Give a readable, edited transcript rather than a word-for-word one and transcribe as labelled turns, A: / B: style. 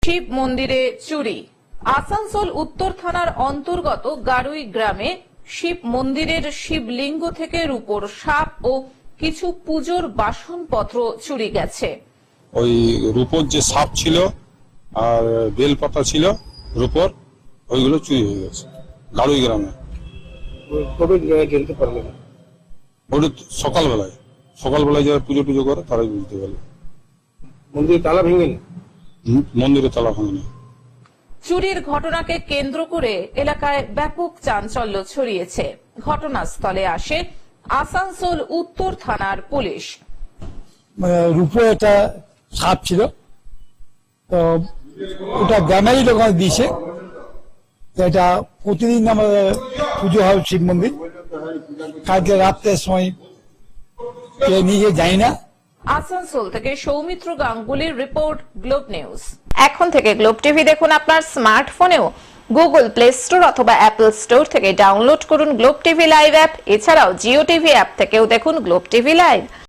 A: শিব মন্দিরে চুরি। আসানসোল উত্তর থানার অন্তর্গত গারুই গ্রামে শিব মন্দিরের শিবলিঙ্গ থেকে রূপোর সাপ ও কিছু পুজোর বাসনপত্র চুরি গেছে।
B: ওই রূপোর যে সাপ ছিল আর বেলপাতা ছিল রূপোর, ওইগুলো চুরি হয়ে গেছে গারুই গ্রামে।
C: কবে জানতে পারলেন?
B: ওটা সকালবেলায় যারা পুজো টুজো করে তারাই বুঝতে পারবে।
C: মন্দিরে তালা ভেঙেনি?
B: মন্দিরে তালা ভাঙেনি।
A: চুরির ঘটনাকে কেন্দ্র করে এলাকায় ব্যাপক চাঞ্চল্য ছড়িয়েছে। ঘটনাস্থলে আসে আসানসোল উত্তর থানার পুলিশ।
D: রূপো একটা সাপ ছিল, তো ওটা গ্রামেরই লোক দিয়েছে। এটা প্রতিদিন আমাদের পুজো হয় শিব মন্দির। কালকে রাত্রের সময় কে নিয়ে যাই না।
A: আসানসোল থেকে সৌমিত্র গাঙ্গুলির রিপোর্ট, গ্লোব নিউজ। এখন থেকে গ্লোব টিভি দেখুন আপনার স্মার্টফোনেও। গুগল প্লে স্টোর অথবা অ্যাপল স্টোর থেকে ডাউনলোড করুন গ্লোব টিভি লাইভ অ্যাপ। এছাড়াও জিও টিভি অ্যাপ থেকেও দেখুন গ্লোব টিভি লাইভ।